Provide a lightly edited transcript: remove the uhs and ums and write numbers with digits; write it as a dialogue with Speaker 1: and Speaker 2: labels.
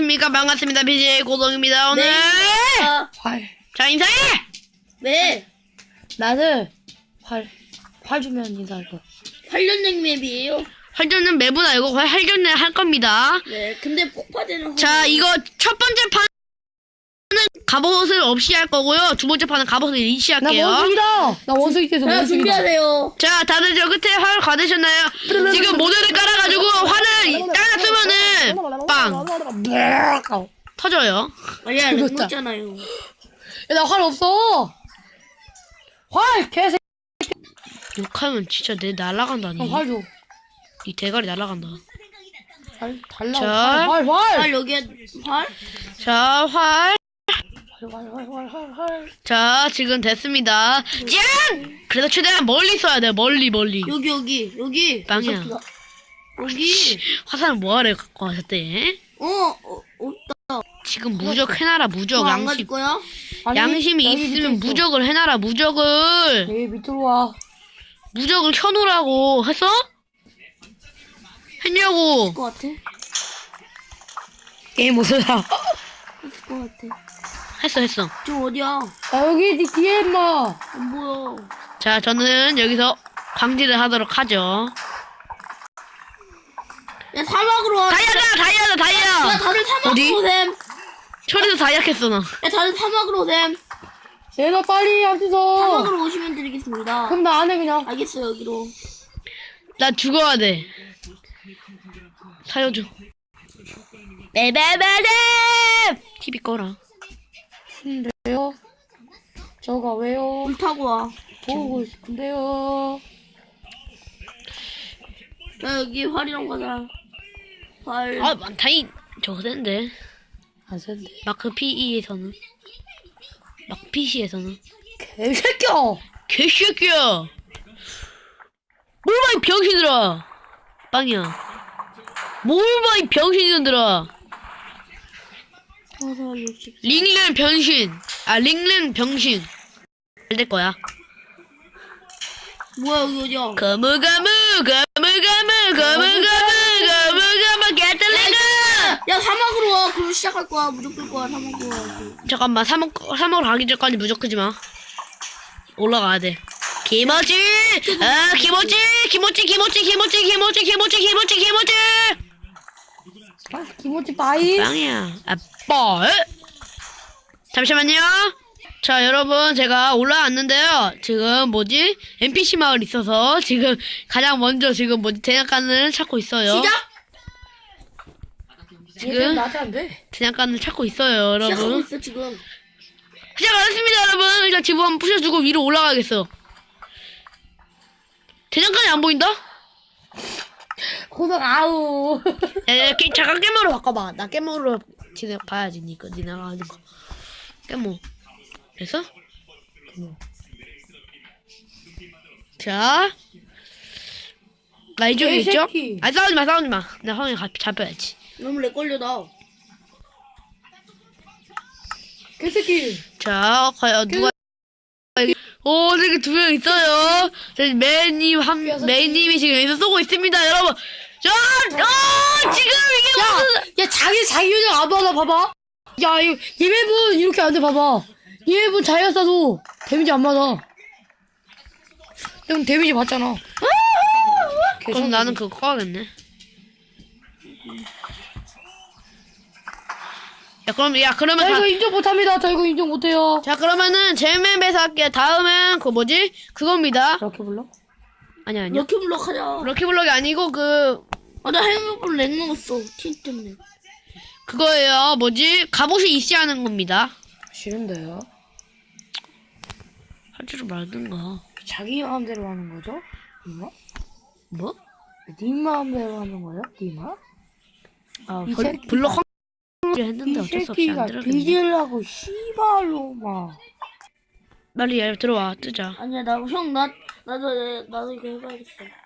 Speaker 1: 안녕하십니까. 반갑습니다. BJ 고동입니다. 오늘 자 인사해.
Speaker 2: 네.
Speaker 3: 나는 활 주면 인사할 거야.
Speaker 2: 활전쟁 맵이에요.
Speaker 1: 활전은 맵은 알고 활전을 할 겁니다.
Speaker 2: 네. 근데 폭파되는.
Speaker 1: 자 이거 첫 번째 판은 갑옷을 없이 할 거고요. 두 번째 판은 갑옷을 일시
Speaker 3: 나
Speaker 1: 할게요.
Speaker 3: 원숭이다. 나 원숭이께서
Speaker 2: 자,
Speaker 3: 원숭이다.
Speaker 2: 준비하세요.
Speaker 1: 자 다들 저 끝에 활 받으셨나요? 지금 모델을 깔아가지고 활을 딱 쓰면은 빵 터져요.
Speaker 2: 아니야, 렉 먹잖아요.
Speaker 3: 야, 나 활 없어. 활 개새.
Speaker 1: 욕하면 진짜 내 날아간다니.
Speaker 3: 활 줘.
Speaker 1: 이 대가리 날아간다.
Speaker 3: 활 달라.
Speaker 1: 자.
Speaker 3: 활.
Speaker 2: 활 여기에 활?
Speaker 1: 자 활.
Speaker 3: 활.
Speaker 1: 자 지금 됐습니다. 짠! 그래서 최대한 멀리 써야 돼. 멀리.
Speaker 2: 여기.
Speaker 1: 빵이야.
Speaker 2: 여기.
Speaker 1: 화살은 뭐하러 갖고 가셨대?
Speaker 2: 없다.
Speaker 1: 지금 무적 해놔라. 무적
Speaker 2: 안 가질
Speaker 1: 양심.
Speaker 2: 거야?
Speaker 3: 아니,
Speaker 1: 양심이
Speaker 3: 여기 밑에
Speaker 1: 있으면
Speaker 3: 있어.
Speaker 1: 무적을 해놔라. 무적을.
Speaker 3: 여기 밑으로 와.
Speaker 1: 무적을 켜놓으라고. 했어? 했냐고.
Speaker 2: 있을 것 같아.
Speaker 3: 게임 못해라.
Speaker 2: 있을 것 같아.
Speaker 1: 했어.
Speaker 2: 저 어디야?
Speaker 3: 나 여기 네 뒤에 임마.
Speaker 2: 안 보여.
Speaker 1: 자 저는 여기서 광질을 하도록 하죠.
Speaker 2: 야, 사막으로 와.
Speaker 1: 다이아다.
Speaker 2: 야, 다들 사막으로
Speaker 1: 어디?
Speaker 2: 오셈.
Speaker 1: 철에서 다이아했어 너.
Speaker 2: 야, 다들 사막으로 오셈.
Speaker 3: 얘나 빨리 앞에서.
Speaker 2: 사막으로 오시면 드리겠습니다.
Speaker 3: 그럼 나 안 해 그냥.
Speaker 2: 알겠어요, 여기로.
Speaker 1: 나 죽어야 돼. 살려줘. 베베베베 TV 꺼라.
Speaker 3: 왜요? 저가 왜요?
Speaker 2: 물 타고 와.
Speaker 3: 보고 싶은데요.
Speaker 2: 자, 여기 활이랑 가자. 활.
Speaker 1: 아 많다이 저거 센데.
Speaker 3: 안 센데.
Speaker 1: 마크 PE에서는 마크 PC에서는
Speaker 3: 개새끼야.
Speaker 1: 개새끼야. 뭘 봐 이 병신들아. 빵이야. 뭘 봐 이 병신들아.
Speaker 2: 화살 60.
Speaker 1: 링렌 변신. 링렌 병신. 잘 될 거야.
Speaker 2: 뭐야, 여기 어디야?
Speaker 1: 거무거무 개틀리그.
Speaker 2: 야, 사막으로 와. 그럼 시작할 거야. 무조건 거야. 사막으로 와.
Speaker 1: 잠깐만 사막으로 가기 전까지 무적 끄지 마. 올라가야 돼. 기모찌. 기모찌.
Speaker 3: 김치 빠이.
Speaker 1: 빵이야. 뻘. 잠시만요. 자 여러분 제가 올라왔는데요. 지금 뭐지? NPC 마을 있어서 지금 가장 먼저 지금 뭐지 대장간을 찾고 있어요.
Speaker 2: 시작!
Speaker 1: 지금
Speaker 3: 나한테 안 돼.
Speaker 1: 대장간을 찾고 있어요,
Speaker 2: 시작하고
Speaker 1: 여러분.
Speaker 2: 있어, 지금.
Speaker 1: 시작 안 했습니다, 여러분. 일단 지붕 한번 부셔주고 위로 올라가겠어. 대장간이 안 보인다?
Speaker 3: 고등 아우.
Speaker 1: 야, 잠깐 깨모로 바꿔봐. 나 깨모로 봐야지, 니가 하는 거. 깨모. 됐어? 자. 나 이쪽에 있죠?
Speaker 3: 개새끼.
Speaker 1: 싸우지 마. 나 형이 잡혀야지.
Speaker 2: 너무 렉 걸려, 나.
Speaker 3: 개새끼.
Speaker 1: 자, 과연 누가. 저기 두 명 있어요. 저기 메이님이 지금 여기서 쏘고 있습니다, 여러분. 지금 이게
Speaker 3: 야 자기 요정 안 받아 봐봐. 야 이거 얘네분 이렇게 안 돼 봐봐. 얘네분 자기가 쏴도 데미지 안 맞아. 형 데미지 받잖아.
Speaker 1: 그럼 나는 그거 꺼야겠네. 그러면
Speaker 3: 저 이거 인정 못합니다. 저 이거 인정 못해요.
Speaker 1: 자, 그러면은 제맵에서 할게. 다음은 그겁니다.
Speaker 3: 이렇게 불러?
Speaker 1: 아니야.
Speaker 2: 럭키블럭 하자.
Speaker 1: 럭키블럭이 아니고
Speaker 2: 나 해먹을 렉 먹었어. 티 때문에.
Speaker 1: 그거예요. 갑옷이 이시하는 겁니다.
Speaker 3: 싫은데요?
Speaker 1: 할 줄을 말든가.
Speaker 3: 자기 마음대로 하는 거죠? 니마?
Speaker 1: 뭐?
Speaker 3: 네 마음대로 하는 거야? 니마? 이 새끼가-
Speaker 1: 블럭 했는데
Speaker 3: 이
Speaker 1: 어쩔 수 없이
Speaker 3: 새끼가
Speaker 1: 안 들어가네.
Speaker 3: 뒤질라고 씨발로 막.
Speaker 1: 빨리 들어와 뜨자.
Speaker 2: 아니야, 나도 이거 해봐야겠어.